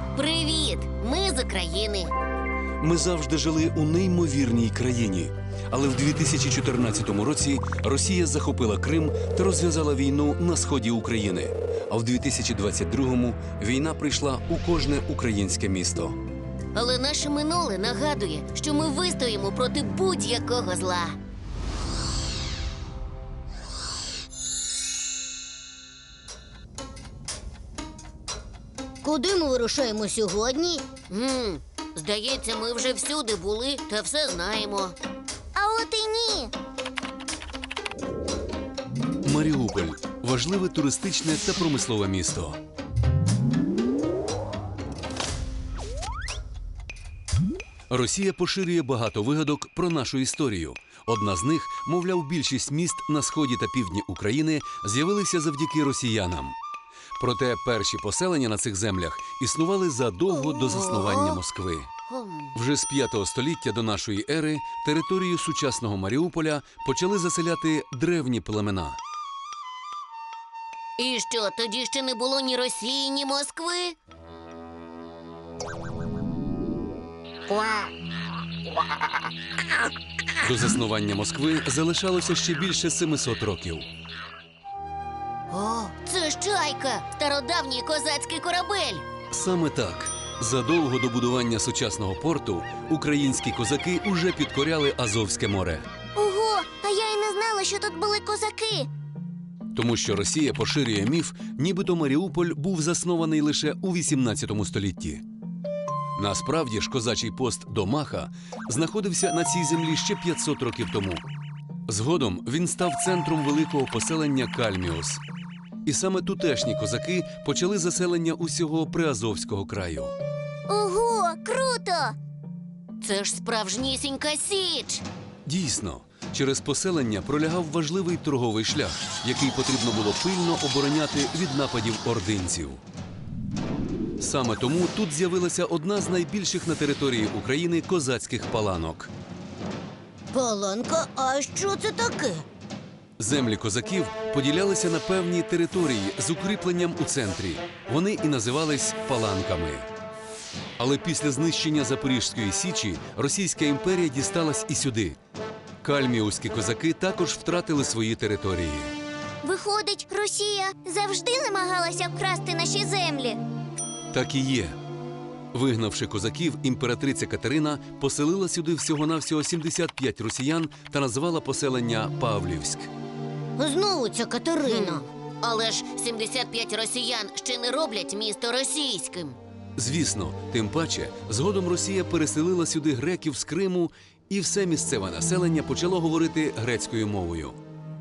Привіт! Ми з України. Ми завжди жили у неймовірній країні. Але в 2014 році Росія захопила Крим та розв'язала війну на сході України. А в 2022-му війна прийшла у кожне українське місто. Але наше минуле нагадує, що ми вистоїмо проти будь-якого зла. Куди ми вирушаємо сьогодні? Здається, ми вже всюди були та все знаємо. А от і ні. Маріуполь – важливе туристичне та промислове місто. Росія поширює багато вигадок про нашу історію. Одна з них, мовляв, більшість міст на сході та півдні України з'явилися завдяки росіянам. Проте перші поселення на цих землях існували задовго до заснування Москви. Вже з 5 століття до нашої ери територію сучасного Маріуполя почали заселяти древні племена. І що, тоді ще не було ні Росії, ні Москви? До заснування Москви залишалося ще більше 700 років. О, це ж чайка! Стародавній козацький корабель! Саме так. Задовго до будування сучасного порту українські козаки уже підкоряли Азовське море. Ого, а я й не знала, що тут були козаки. Тому що Росія поширює міф, нібито Маріуполь був заснований лише у 18 столітті. Насправді ж козачий пост Домаха знаходився на цій землі ще 500 років тому. Згодом він став центром великого поселення Кальміус. І саме тутешні козаки почали заселення усього Приазовського краю. Ого, круто! Це ж справжнісінька Січ! Дійсно, через поселення пролягав важливий торговий шлях, який потрібно було пильно обороняти від нападів ординців. Саме тому тут з'явилася одна з найбільших на території України козацьких паланок. Паланка, а що це таке? Землі козаків поділялися на певні території з укріпленням у центрі. Вони і називались паланками. Але після знищення Запорізької Січі Російська імперія дісталась і сюди. Кальміуські козаки також втратили свої території. Виходить, Росія завжди намагалася вкрасти наші землі. Так і є. Вигнавши козаків, імператриця Катерина поселила сюди всього-навсього 75 росіян та назвала поселення Павлівськ. Знову ця Катерина. Але ж 75 росіян ще не роблять місто російським. Звісно, тим паче, згодом Росія переселила сюди греків з Криму, і все місцеве населення почало говорити грецькою мовою.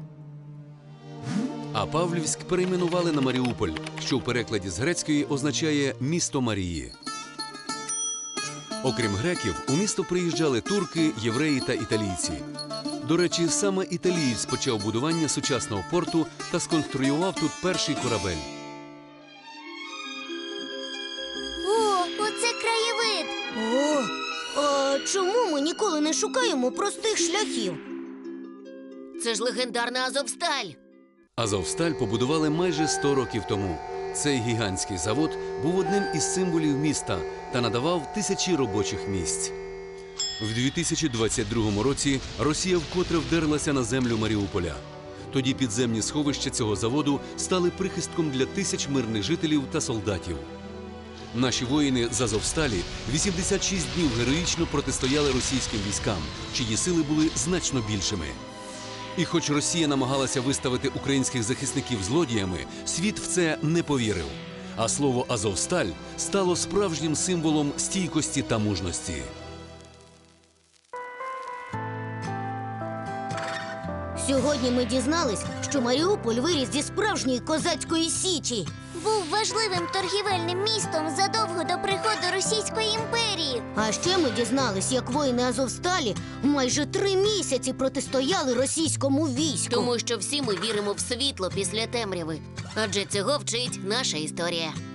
А Павлівськ перейменували на Маріуполь, що в перекладі з грецької означає «місто Марії». Окрім греків, у місто приїжджали турки, євреї та італійці. До речі, саме італієць почав будування сучасного порту та сконструював тут перший корабель. О, оце краєвид! О, а чому ми ніколи не шукаємо простих шляхів? Це ж легендарна Азовсталь. Азовсталь побудували майже 100 років тому. Цей гігантський завод був одним із символів міста та надавав тисячі робочих місць. В 2022 році Росія вкотре вдерлася на землю Маріуполя. Тоді підземні сховища цього заводу стали прихистком для тисяч мирних жителів та солдатів. Наші воїни з Азовсталі 86 днів героїчно протистояли російським військам, чиї сили були значно більшими. І хоч Росія намагалася виставити українських захисників злодіями, світ в це не повірив. А слово «Азовсталь» стало справжнім символом стійкості та мужності. Сьогодні ми дізнались, що Маріуполь виріс зі справжньої козацької січі. Був важливим торгівельним містом задовго до приходу Російської імперії. А ще ми дізнались, як воїни Азовсталі майже 3 місяці протистояли російському війську. Тому що всі ми віримо в світло після темряви. Адже цього вчить наша історія.